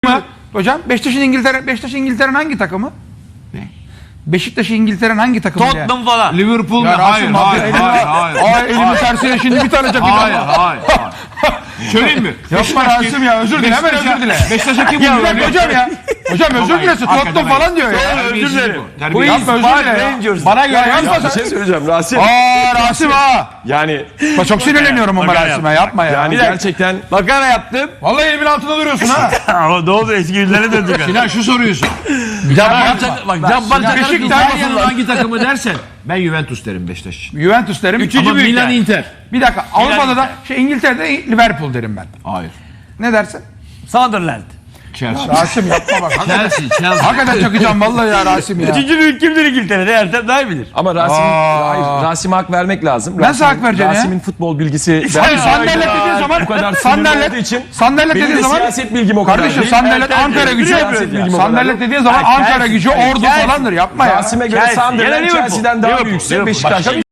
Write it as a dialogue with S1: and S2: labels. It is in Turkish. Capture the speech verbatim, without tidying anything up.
S1: mı? Hocam Beşiktaş'ın İngiltere Beşiktaş İngiltere'nin hangi takımı?
S2: Ne?
S1: Beşiktaş'ın İngiltere'nin hangi takımı?
S3: Tottenham
S1: ya?
S3: falan.
S2: Liverpool mu?
S1: Ya
S2: Hayır,
S1: Rasim
S2: hayır,
S1: abi,
S2: hayır,
S1: elimi-
S2: hayır.
S1: Aa, elimi tersine şimdi bir tane çakacağım.
S2: Hayır, hayır, hayır. Söyleyeyim mi?
S1: Yapma Rasim ya, özür dile, hemen özür dile.
S2: Beşiktaş'a kim
S1: Ya
S2: vuruyor?
S1: bırak hocam ya. Hocam özür dilesin. Tottenham falan diyor ya.
S2: Özür dilerim.
S1: Bu yapma özür dile ya.
S3: Rangers.
S1: Bana göre yapma
S4: Bir
S1: sen.
S4: şey söyleyeceğim Rasim.
S1: Aa Rasim ha.
S4: Yani
S1: Bak çok sinirleniyorum ama
S3: Makara
S1: Rasim'e yapma ya.
S4: yani
S1: Bir dakika.
S4: gerçekten
S3: Makara yaptım.
S1: Vallahi elimin altında duruyorsun ha.
S3: Ama ne oldu, eski günlere döndük.
S2: Sinan şu soruyorsun.
S1: Yapma.
S3: Bak Cabbar Çakar
S1: Beşiktaş-
S2: İtalya'nın hangi takımı dersen ben Juventus derim Beşiktaş için.
S1: Juventus derim.
S3: Üçüncü
S1: Ama
S3: büyük
S2: Milan
S3: yani.
S2: Inter.
S1: bir dakika Avrupa'da da
S3: Inter.
S1: şey İngiltere'de Liverpool derim ben.
S2: Hayır.
S1: Ne dersin?
S3: Sunderland.
S2: Chelsea.
S1: Rasim yapma bak. Hakikaten,
S2: Chelsea, Chelsea.
S1: hakikaten çakacağım vallahi ya Rasim ya.
S3: Üçüncü büyük kimdir İngiltere'de? Ertem daha iyi bilir.
S4: ama Rasim
S1: Aa.
S4: hayır, Rasim'e hak vermek lazım.
S1: Nasıl
S4: Rasim'in-
S1: hak vereceksin ya?
S4: Rasim'in futbol bilgisi
S1: Hayır,
S4: ben-
S1: sandalet dediğin zaman
S4: bu kadar
S1: sandalet
S4: sinirli olduğu için
S1: sandalet
S4: benim
S1: dediğin
S4: de
S1: zaman
S4: siyaset bilgim o kadar
S1: kardeşim
S4: değil.
S1: sandalet
S3: Evet,
S1: Ankara
S3: evet,
S1: gücü
S3: evet, siyaset
S4: bilgim o kadar
S1: sandalet
S4: yok.
S1: dediğin zaman
S3: Ha,
S1: Ankara
S3: Chelsea,
S1: gücü
S3: Chelsea,
S1: ordu
S3: Chelsea.
S1: falandır yapma ya.
S4: Rasim'e göre
S3: Chelsea,
S4: Sunderland
S3: yine Liverpool.
S4: Chelsea'den daha
S3: Liverpool,
S4: büyükse
S3: Liverpool.
S4: Beşiktaş
S3: Başka